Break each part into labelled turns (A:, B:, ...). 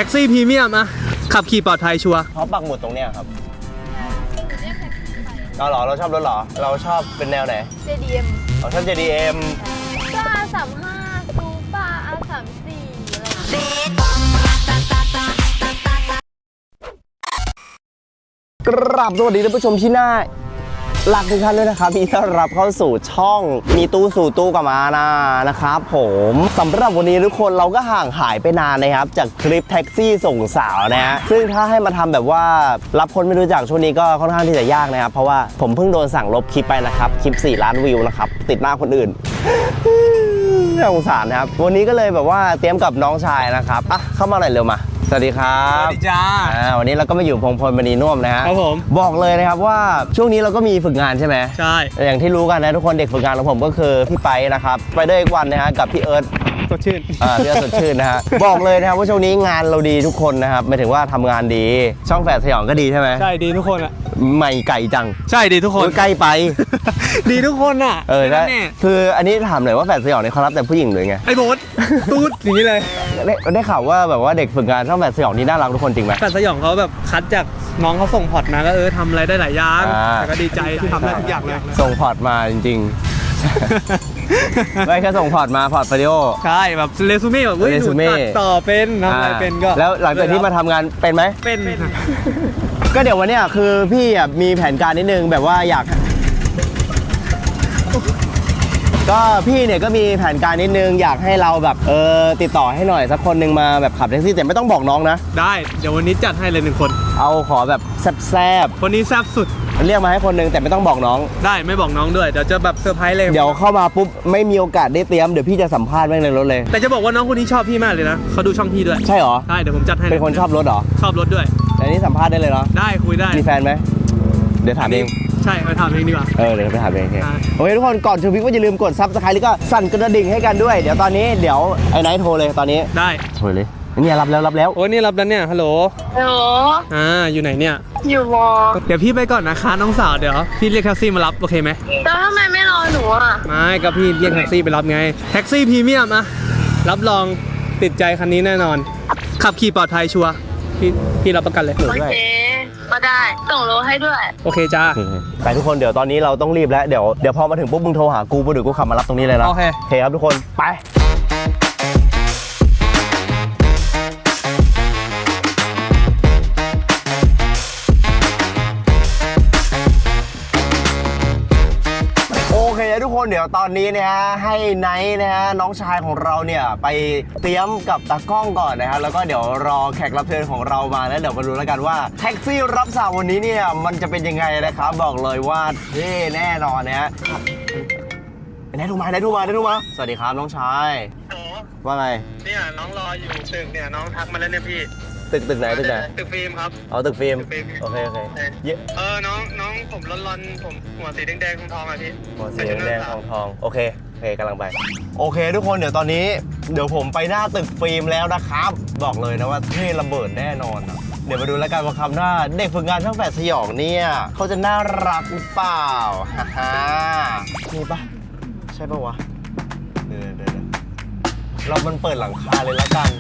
A: ท็กซี่พรีเมียมอะขับขี่ปลอดภัยชัวร์
B: เพราะปักหมุดตรงเนี้ยครับเราเหรอเราชอบรถเหรอเราชอบเป็นแนวไหน
C: JDM
B: เราชอบ JDM
C: ก็ R35 ซูเปอร์ R34 อะไรอย่างเงี้ย
B: กราบสวัสดีท่านผู้ชมที่น่ารักทุกท่านด้วยนะครับที่ต้อนรับเข้าสู่ช่องมีตู้สู่ตู้กับมานะครับผมสำหรับวันนี้ทุกคนเราก็ห่างหายไปนานนะครับจากคลิปแท็กซี่ส่งสาวนะฮะซึ่งถ้าให้มาทำแบบว่ารับคนไม่รู้จักช่วงนี้ก็ค่อนข้างที่จะยากนะครับเพราะว่าผมเพิ่งโดนสั่งลบคลิปไปนะครับคลิป4 ล้านวิวนะครับติดหน้าคนอื่นน่าสงสารนะครับวันนี้ก็เลยแบบว่าเตรียมกับน้องชายนะครับอ่ะเข้ามาหน่อยเร็วมาสวัสดีครับ
A: สวัสดีจ้า
B: วันนี้เราก็มาอยู่พงพลมณีน่วมนะฮะ
A: ครับผม
B: บอกเลยนะครับว่าช่วงนี้เราก็มีฝึกงานใช่ไหม
A: ใช่
B: อย่างที่รู้กันนะทุกคนเด็กฝึกงานของผมก็คือพี่ไปนะครับไปด้วยอีกวันนะฮะกับพี่เอิร์ธ
A: สดชื่น
B: พี่เอิร์ธสดชื่นนะฮะบอกเลยนะครับว่าช่วงนี้งานเราดีทุกคนนะครับหมายถึงว่าทำงานดีช่องแฝดสยองก็ดีใช่ไหม
A: ใช่ดีทุกคนอะ
B: ใหม่ไก่จัง
A: ใช่ดีทุกคน
B: ใกล้ไป
A: ดีทุกคนอะ
B: ได้คืออันนี้ถามหน่อยว่าแฝดสยองเนี่ยเขารับแต่ผู้หญิงหรือไง
A: ไอ้โบ๊ทตูดอย่างนี้เลย
B: ได้ข่าวว่าแบบว่าเด็กฝึกงานช่องแฝดสยองนี่น่ารักทุกคนจริงไหม
A: แฝดสยองเขาแบบคัดจากน้องเขาส่งพอร์ตนะก็ทำอะไรได้หลายอย่างแต่ก็ดีใจที่ทำได้ทุกอย่างเลย
B: ส่งพอร์ตมาจริงๆไม่แค่ส่งพอร์ตมาพอร์ตวิดีโอ
A: ใช่แบบเรซูเม่แบบ
B: เรซูเม่
A: ตัดต่อเป็นทำอะไรเป็นก็
B: แล้วหลังจากที่มาทำงานเป็นไหม
A: เป็น
B: ก็เดี๋ยววันนี้คือพี่มีแผนการนิดนึงแบบว่าอยากก็พี่เนี่ยก็มีแผนการนิดนึงอยากให้เราแบบติดต่อให้หน่อยสักคนนึงมาแบบขับแท็กซี่แต่ไม่ต้องบอกน้องนะ
A: ได้เดี๋ยววันนี้จัดให้เลย1 คน
B: เอาขอแบบแซ่บ
A: คนนี้แซ่บสุด
B: เรียกมาให้คนนึงแต่ไม่ต้องบอกน้อง
A: ได้ไม่บอกน้องด้วยเดี๋ยวจะแบบเซอร์ไพรส์เลย
B: เดี๋ยวเข้ามาปุ๊บไม่มีโอกาสได้เตรียมเดี๋ยวพี่จะสัมภาษณ์แม่งในรถเลย
A: แต่จะบอกว่าน้องคนนี้ชอบพี่มากเลยนะเขาดูช่องพี่ด้วย
B: ใช่หรอ
A: ใช่เดี๋ยวผมจัดให้
B: เป็นคนชอบรถหรอ
A: ชอบรถด้วย
B: อันนี้สัมภาษณ์ได้เลยเนาะ
A: ได้คุยได้
B: มีแฟนไหมเดี๋ยวถามเอง
A: ใช่ไปถามเองดีกว่า
B: เดี๋ยวไปถามเองโอเคทุกคนก่อนชมคลิปก็อย่าลืมกดซับสไครต์แล้วก็สั่นกระดิ่งให้กันด้วยเดี๋ยวตอนนี้เดี๋ยวไอ้ไนท์โทรเลยตอนนี้
A: ได้
B: โทรเลยเนี่ยรับแล้ว
A: โอ้ยนี่รับแล้วเนี่ยฮัลโหล
C: ฮัลโหล
A: อยู่ไหนเนี่ย
C: อยู่วอ
A: เดี๋ยวพี่ไปก่อนนะคะน้องสาวเดี๋ยวพี่เรียกแท็กซี่มารับโอเคไหม
C: แล้วทำไมไม่รอหนูอ่ะ
A: ไม่ก็พี่เรียกแท็กซี่ไปรับไงแท็กซี่พรีเมียมอะรับรองติดใจคันนี้แน่นอนขับขี่ปลอดภัยชัวร์พี่รับประกันเลย
C: โอเคก็ได้ส่งโลให้ด้วย
A: โอเคจ้า
B: ไปทุกคนเดี๋ยวตอนนี้เราต้องรีบแล้วเดี๋ยวพอมาถึงปุ๊บมึงโทรหากูปุ๊บเดี๋ยวกูขับมารับตรงนี้เลยนะ
A: โอเค
B: ครับทุกคนไปทุกคนเดี๋ยวตอนนี้นะฮะให้ไนท์นะฮะน้องชายของเราเนี่ยไปเตรียมกับตากล้องก่อนนะครับแล้วก็เดี๋ยวรอแขกรับเชิญของเรามาแล้วเดี๋ยวมาดูแล้วกันว่าแท็กซี่รับสาววันนี้เนี่ยมันจะเป็นยังไงนะครับบอกเลยว่าเท่แน่นอนนะฮะไนท์โทรมาสวัสดีครับน้องชายว่าไง
A: เนี่ยน้องรออยู่ตึกเนี่ยน้องทักมาแล้วเนี่ยพี่
B: ตึกไหน
A: ตึกฟิล์มครับ
B: ตึกฟิล์มโอเค
A: น้องผมร้อนผมหัวสีแดงทองอ่ะพี่
B: หัวสีแดงทองโอเคกำลังไปโอเคทุกคนเดี๋ยวตอนนี้เดี๋ยวผมไปหน้าตึกฟิล์มแล้วนะครับบอกเลยนะว่าเท่ระเบิดแน่นอนเดี๋ยวมาดูแล้วกันว่าคำหน้าเด็กฝึกงานช่างแฝดสยองเนี่ยเขาจะน่ารักหรือเปล่าฮ่านี่ปะใช่ปะวะเดี๋ยวเรามันเปิดหลังคาเลยแล้วกัน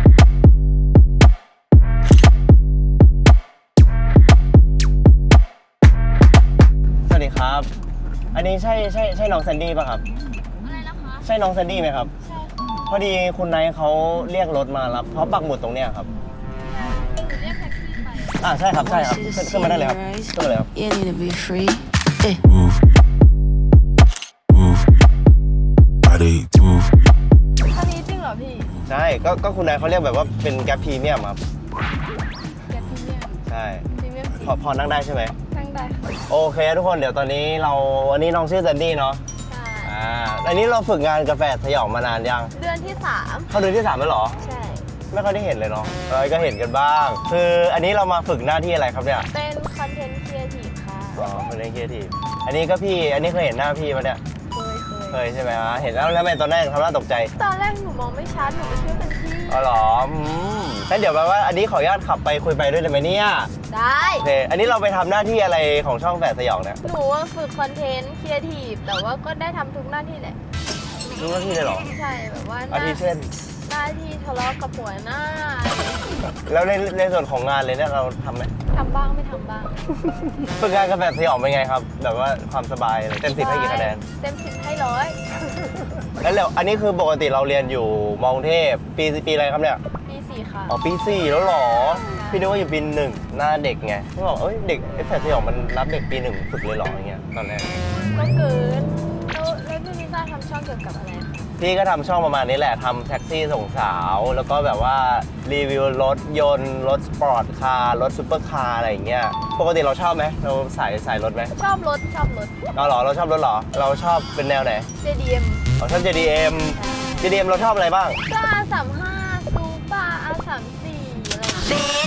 B: ครับอันนี้ใช่น้องแซนดี้ป่ะครับ
C: อะไรนะคะ
B: ใช่น้องแซนดี้ไหมครับใช่พอดีคุณไนท์เขาเรียกรถมารับเขาปักหมุดตรงเนี้ยครับ
C: เรียกแท็กซี่ไป
B: ใช่ครับขึ้นมาได้เลยครับขึ้นมาเลยครับ
C: คันนี้จริงเหรอพี่
B: ใช่ก็คุณนายเขาเรียกแบบว่าเป็นแก๊ปพรีเมียมครับ
C: แก๊ปพรีเมียม
B: ใช่
C: พรีเมียม
B: พอนั่งได้ใช่ไหม
C: นั่งได้
B: โอเคทุกคนเดี๋ยวตอนนี้วันนี้น้องชื่อแซนดี้เนาะ
C: ใช่
B: อันนี้เราฝึกงานกาแฟสยองมานานยัง
C: เดือนที่3
B: เข้าเดือนที่3แล้วเหรอ
C: ใช่
B: ไม่ค่อยได้เห็นเลยเนาะก็เห็นกันบ้างคืออันนี้เรามาฝึกหน้าที่อะไรครับเนี่ย
C: เป็นคอนเทนต์ครีเอทีฟค่ะ
B: คอนเทนต์ครีเอทีฟอันนี้เคยเห็นหน้าพี่ปะเนี่ยเคยใช่ไหมเห็นแล้วทำไมตอนแรกทำหน้าตกใจ
C: ตอนแรกหนูมองไม่ชัดหนูไม่คิดว่าเป็นพี่
B: อ๋อเหรองั้นเดี๋ยวแปลว่าอันนี้ขออนุญาตขับไปคุยไปด้วยได้ไหมเนี่ย
C: ได้
B: โอเคอันนี้เราไปทำหน้าที่อะไรของช่องแฝดสยองเนี่ย
C: หนูฝึกคอนเทนต์ครีเอทีฟแต่ว่าก็ได้ทำทุกหน้าที่แหละ
B: ทุกหน้าที่เลยเหรอ
C: ใช่แบบว่า
B: อาทิเช่น
C: หน้าที่ทะเลาะกับหัวหน้า
B: แล้วในส่วนของงานเลยเนี่ยเราทำไหม
C: ทำบ้างไม่ทำบ้าง
B: ฝึกงานกับแบบสยองเป็นไงครับ แบบว่าความสบายเลยเต็ม10ให้กี่คะแนน
C: เต็ม10ให้ร้อย
B: แล้วอันนี้คือปกติเราเรียนอยู่มอกรุงเทพปีอะไรครับเนี่ย
C: ปี4ค่ะ
B: อ๋อปี4แล้วเหรอ พี่นึกว่าอยู่ปี1หน้าเด็กไงพี่บอกเอ้ยเด็กไอ้แฟนสยองมันรับเด็กปี1ฝึกเลยเหรออย่างเงี้ยตอนแรก
C: ก็เกินแล้วพี่ลิซ่าทำช่องเกี่ยวกับอะไรคะ
B: พี่ก็ทำช่องประมาณนี้แหละทำแท็กซี่ส่งสาว แล้วก็แบบว่ารีวิวรถยนต์รถสปอร์ตคาร์รถซูเปอร์คาร์อะไรอย่างเงี้ยปกติเราชอบไหมเราสายรถไหม
C: ชอบรถ
B: เราเหรอเราชอบรถเหรอเราชอบเป็นแนวไหน
C: JDM
B: เราชอบ JDM JDM เราชอบอะไรบ้าง
C: ก็ R35 ซูเปอร์ R34 อะไรอย่างเงี้ย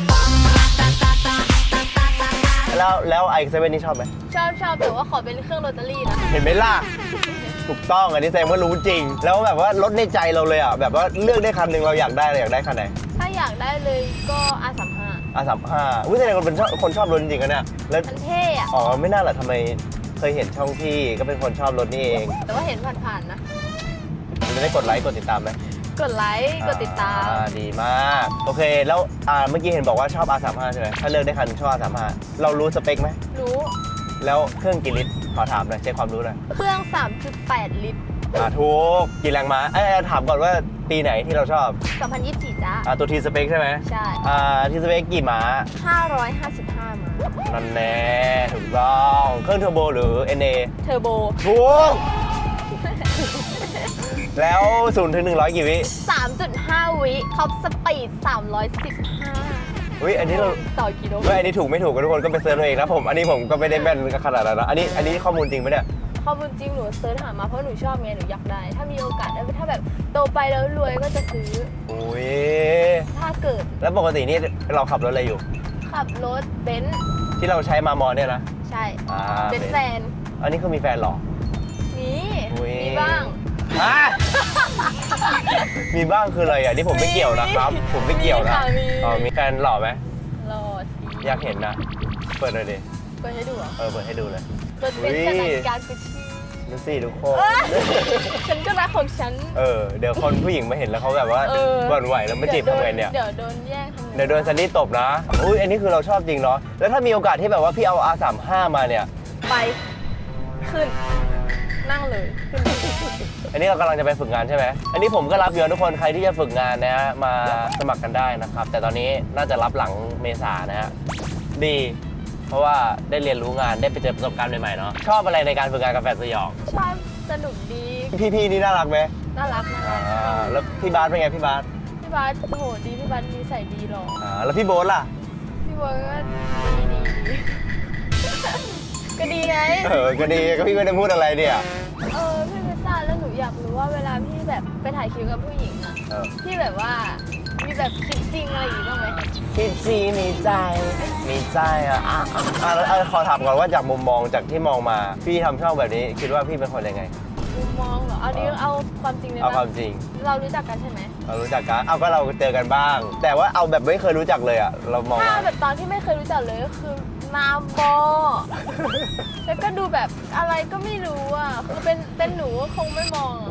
B: แล้วไอเซเว่นนี่ชอบไหม
C: ชอบแต่ว่าขอเป็นเครื่องโรตารี่นะ
B: เห็นไหมล่ะ ถูกต้องอันนี้แซมก็รู้จริง แล้วแบบว่ารถในใจเราเลยอ่ะแบบว่าเลือกได้คันหนึ่งเราอยากได้เราอยากได้คันไหน
C: ถ้าอยากได้เลยก็ R35
B: R35อุ้ยแสดงว่าเป็นคนชอบรถจริงๆกันเนี่ยแล้ว
C: มันเท่อะ
B: อ๋อไม่น่าหรอทำไมเคยเห็นช่องพี่ก็เป็นคนชอบรถนี่เอง
C: แต่ว่าเห็นผ่านๆนะ
B: จะได้กดไลค์กดติดตามไหม
C: กดไลค์กดติดตาม
B: ดีมากโอเคแล้วเมื่อกี้เห็นบอกว่าชอบ R35 ใช่ไหมถ้าเลือกได้คันชอบ R35 เรารู้สเปคไหม
C: รู้
B: แล้วเครื่องกี่ลิตรขอถามหน่อยเช็คความรู้หน่อย
C: เครื่อง 3.8 ลิตร
B: ถูกกี่แรงม้าถามก่อนว่าปีไหนที่เราชอบ
C: 2024 จ้า
B: ตัวทีสเปคใช่ไหม
C: ใช่
B: ทีสเปคกี่ม้า
C: 555 มา
B: นั่นแน่ถูกต้องเครื่องเทอร์โบหรือ NA
C: เทอร์โบ
B: ถูก แล้ว0 ถึง 100 กี่วิ
C: 3.5 วิท็อปสปีด 315
B: อุ้ยอันนี้เรา
C: ต่อกิโล
B: อันนี้ถูกไม่ถูกกันทุกคนก็ไปเซิร์ชเอาเองนะผม อันนี้ผมก็ไม่ได้แม่นขนาดนั้นนะอันนี้ข้อมูลจริงไหมเนี่ย
C: ข้อมูลจริงหนูเซิร์ชหามาเพราะหนูชอบไงหนูอยากได้ ถ้ามีโอกาสถ้าแบบโตไปแล้วรวยก็จะซื้อ
B: อุ้ย
C: ถ้าเกิด
B: แล้วปกตินี่เราขับรถอะไรอยู่
C: ขับรถเบนซ์
B: ที่เราใช้มามอเนี่ยนะ
C: ใช่
B: อ่า
C: เป็นแฟน
B: อันนี้คือมีแฟนเหรอ
C: มี
B: อุ๊ย
C: มีบ้าง
B: ฮะ มีบ้างคืออะไรอ่ะนี่ผมไม่เกี่ยวนะครับ ผมไม่เกี่ยวนะ
C: มีค่ะ
B: มีแฟนหล่อไหม
C: รอสิ
B: อยากเห็นนะ เปิดเลยดิ
C: เปิดให้ดูเหรอ
B: เปิดให้ดูเลย
C: รถเบนซ์กับนาฬิกากุชชี่
B: ดูสิทุกคน
C: เอ้ยฉันก็รักของฉัน
B: เดี๋ยวคนผู้หญิงมาเห็นแล้วเขาแบบว่า
C: เออ
B: หวั่นไหวแล้วมาจีบทำไงเนี่ย
C: เดี๋ยวโดนแย่งทำไง
B: เดี๋ยวโดนซันนี่ตบนะ อุ้ยอันนี้คือเราชอบจริงเนาะ แล้วถ้ามีโอกาสที่แบบว่าพี่เอา R35 มาเนี่ย
C: ไปขึ้น นั่งเลยขึ้นเลย
B: อันนี้เรากำลังจะไปฝึกงานใช่ไหม อันนี้ผมก็รับอยู่นะทุกคน ใครที่จะฝึกงานนะฮะมาสมัครกันได้นะครับ แต่ตอนนี้น่าจะรับหลังเมษานะฮะ ดี เพราะว่าได้เรียนรู้งาน ได้ไปเจอประสบการณ์ใหม่ๆเนาะ ชอบอะไรในการฝึกงานกับแฟนสยอง
C: ชอบสนุกดี
B: พี่ๆนี่น่ารักไหม
C: น่ารัก
B: แล้วพี่บาสเป็นไงพี่บาส
C: พี่บาสโหดีพี่บาสนิสัยดีหรอ
B: แล้วพี่โบ๊ทล่ะ
C: พี่บอยก็ดี ก็ดีไง
B: ก็ดีก็พี่ไม่ได้พูดอะไรเนี่ย
C: พี่พิซซ่าแล้วหนูอยากรู้ว่าเวลาพี่แบบไปถ่ายคิวกับผู้หญิงอะพี่แบบว่ามีแบบคิดจริงอะไรอย่างงี้บ้างไหม
B: คิดซีมีใจแล้วขอถามก่อนว่าจากมุมมองจากที่มองมาพี่ทำช่องแบบนี้คิดว่าพี่เป็นคนยังไง
C: มุมมองเหรออันนี้เอาความจริงเลย
B: เอา
C: ปะ
B: ความจริง
C: เรารู้จักกันใช่ไหม
B: เรารู้จักกันเอาก็เราเจอกันบ้าง แต่ว่าเอาแบบไม่เคยรู้จักเลยอ่ะเรามอง
C: ถ้า
B: ว่า
C: แบบตอนที่ไม่เคยรู้จักเลยก็คือนาบอ แล้วก็ดูแบบอะไรก็ไม่รู้อ่ะคือเป็นหนูก็คงไม่มองอะ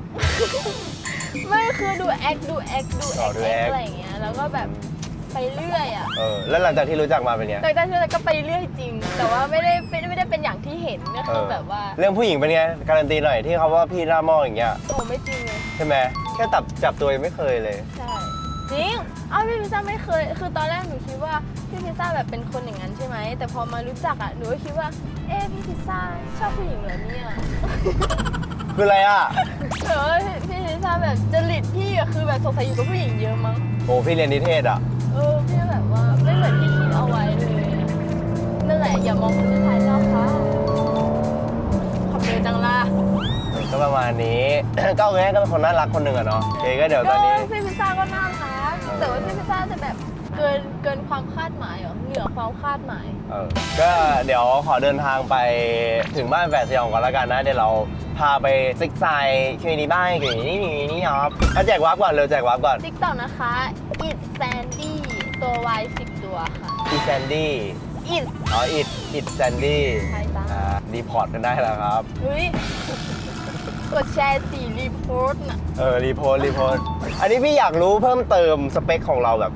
C: ไม่คือดูแอคอะไรอย่างเงี้ยแล้วก็แบบไปเรื่อยอ่ะ
B: แล้วหลังจากที่รู้จักมาเป็นไง
C: แต่ที่เราก็ไปเรื่อยจริง แต่ว่าไม่ได้เป็นอย่างที่เห็นก็คือแบบว่า
B: เรื่องผู้หญิงเป็นไงการันตีหน่อยที่เขาว่าพี่หน้าหม้ออย่างเงี้ย
C: โอ้ไม่จริงเลย
B: ใช่ไหมแค่จับตัวยังไม่เคยเลย
C: ใช่จริงพี่พิซซ่าไม่เคย คือตอนแรกหนูคิดว่าพี่พิซซ่าแบบเป็นคนอย่างนั้นใช่ไหมแต่พอมารู้จักอ่ะหนูก็คิดว่าพี่พิซซ่าชอบผู้หญิงเหรอเนี่ย
B: คืออะไรอ่ะ
C: พี่พิซซ่าแบบจริตพี่อะคือแบบสงสัยอยู่กับผู้หญิงเยอะมั้ง
B: โอ้พี่เรียนนิเทศอ่ะ
C: พี่แบบว่าไม่เหมือนที่คิดเอาไว้เลยนั่นแหละอย่ามองคนที่ภายนอกค่ะขอบเลยจังล่ะ
B: ก็ประมาณนี้ ก็แง่ก็เป็นคนน่ารักคนหนึ่งอะเนาะโอเคก็เดี๋ยวตอนนี้
C: พี่พิซซ่าก็น่ารักแต่ว่าพี่พิซซ่าจะแบบเกินความคาดหมายเหรอเหนือความคาดหมาย
B: ก็เดี๋ยวขอเดินทางไปถึงบ้านแฝดสยองก่อนแล้วกันนะ เดี๋ยวเราพาไปซิกไซคิวนี้บ้านคิวนี้ครับแจกวาร์ปก่อนเร็วแจกวาร์ปก่อน
C: ติ๊กต็อกนะคะ it sandy ตัว y 10 ตัวค่ะ
B: อีแซนดี้
C: it
B: อิดแซนดี้
C: ใช่จ้ะ
B: รีพอร์ตกันได้แล้วครับ
C: เฮ้ยกดแชร์สีรีโพสต์น่ะ
B: รีโพสต์อันนี้พี่อยากรู้เพิ่มเติมสเปคของเราแบบ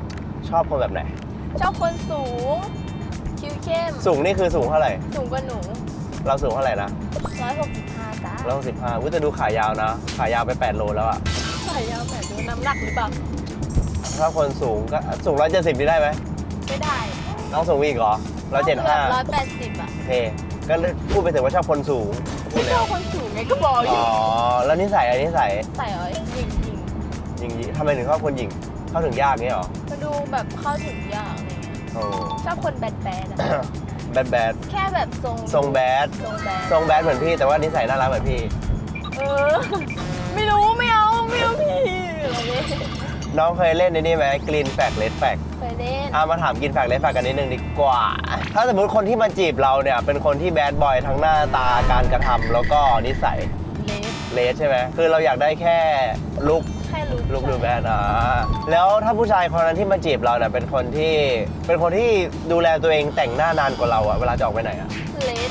B: ชอบคนแบบไหน
C: ชอบคนสูง คิ้วเข้ม
B: สูงนี่คือสูงเท่าไหร่
C: สูงกว่าหนู
B: เราสูงเท่าไหร่นะ
C: 165จ้า
B: 165อุ้ยจะดูขายาวนะ ขายาวไป8 โลแล้วอะ
C: ใส่ยาวแบบดูน้ำหนักหรือเปล่า
B: ถ้าคนสูงก็สูง170นี่ได้ไหม
C: ไม่ได้
B: น้องสูงอีกเหรอ175
C: 180อ่ะ
B: โอเค ก็พูดไปถึงว่าชอบคนสูงพู
C: ไม่
B: ด
C: ช
B: แล้
C: อ
B: ว
C: บคนสูงไงก็บอกอยู่
B: อ๋อ แล้วนิสัยอันนิสัย
C: ใส่เอาจริง
B: หญิงทำไมถึงชอบคนหญิง เข้าถึงยากงี้เหรอ
C: ๆมาดูแบบเข้าถึงยากอะไรเงี้ย
B: โอ้
C: ชอบคนแบดๆอะ
B: แบด
C: แค่แบบทรง
B: ทรงแบด
C: ทรงแบด
B: ทรงแบดเหมือนพี่ แต่ว่านิสัยน่ารักเหมือนพี่
C: เออ ไม่รู้ไม่เอาพี่อะไรเนี่ย
B: น้องเคยเล่นในนี่ไหมกรีนแฟกเลดแฟก
C: เคยเล่น
B: มาถามกินแฟกเลดแฟกกันนิดนึงดีกว่า ถ้าสมมติคนที่มาจีบเราเนี่ย เป็นคนที่แบดบอยทั้งหน้าตาการกระทำแล้วก็นิสัย
C: เลส
B: เลดใช่ไหมคือเราอยากได้แค่ลุก
C: แค่รู้
B: ลุกหรือแบดแล้วถ้าผู้ชายคนนั้นที่มาจีบเราเนี่ยเป็นคนที่ดูแลตัวเองแต่งหน้านานกว่าเราอะเวลาจะออกไปไหนอะ
C: เลส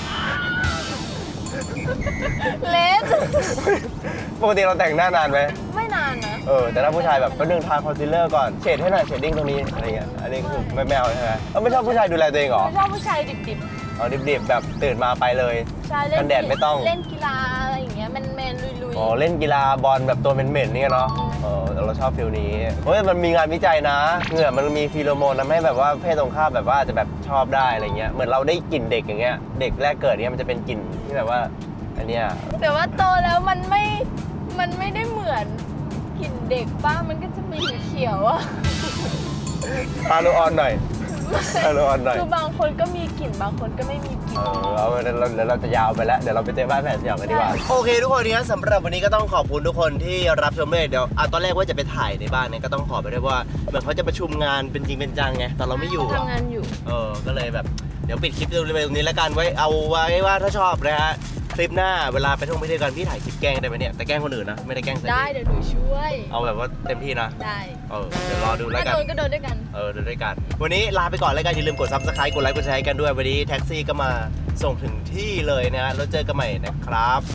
C: เลส
B: ปกติเราแต่งหน้านานไหม
C: ไม่นานนะ
B: แต่ถ้าผู้ชายแบบก็นึงทาคอนซีลเลอร์ก่อนเฉดให้หน่อยเชดดิ้งตรงนี้อะไรเงี้ยอันนี้คือไม่เอาใช่ไหมไม่ชอบผู้ชายดูแลตัวเองเหรอ
C: ไม่ชอบผู้ชายดิบ
B: เอาดิบๆแบบตื่นมาไปเลย
C: ๆใช่เล่
B: กันแดดไม่ต้อง
C: เล่นกีฬาอะไรอย่างเงี้ยแมนๆลุย
B: อ๋อเล่นกีฬาบอลแบบตัวเหม็นๆนี่เนาะแต่เราชอบฟิลนี้เฮ้ยมันมีงานวิจัยนะเหงื่อมันมีฟีโรโมนทำให้แบบว่าเพศตรงข้ามแบบว่าอาจจะแบบชอบได้อะไรเงี้ยเหมือนเราได้กลิ่นเด็กอย่างเงี้ยเด็กแรกเกิดเนี่ยมันจะเป็นกลิ่นที่แบบว่าอันเนี้ย
C: ๆแต่ว่าโตแล้วมันไม่ได้เหมือนกลิ่นเด็กป้ามันก็จะมีเขียวๆอะ
B: พาโลออนหน่อยพาโลออนหน่อย
C: คือบางคนก็มีกลิ่นบางคนก็ไม่มีกลิ่น
B: เอาเดี๋ยวเราจะยาวไปแล้ว เดี๋ยวเราไปเจอบ้านแฟนสยองกันดีกว่า โอเคทุกคนงั้นสำหรับวันนี้ก็ต้องขอบคุณทุกคนที่รับชมเลยเดี๋ยวตอนแรกว่าจะไปถ่ายในบ้านเนี่ยก็ต้องขอไปด้วยว่าเหมือนเขาจะประชุมงานเป็นจริงเป็นจังไงตอนเราไม่อยู่
C: ทำงานอยู่
B: ก็เลยแบบเดี๋ยวปิดคลิปไปตรงนี้แล้วกันไว้เอาไว้ว่าถ้าชอบนะฮะคลิปหน้าเวลาไปท่องไปเที่ยวกันพี่ถ่ายคลิปแกล้งได้ไหมเนี่ยแต่แกล้งคนอื่นนะไม่ได้แกล้งใส่
C: ได้เดี๋ยวหนูช่วย
B: เอาแบบว่าเต็มที่นะ
C: ได้
B: เดี๋ยวรอดูแล้ว
C: ถ้า
B: กัน
C: โดนก็โดนด้วยกัน
B: เดินด้วยกัน วันนี้ลาไปก่อนแล้วกันอย่าลืมกด Subscribe กดไลค์กดแชร์กันด้วย วันนี้แท็กซี่ก็มาส่งถึงที่เลยนะฮะแล้วเจอกันใหม่นะครับ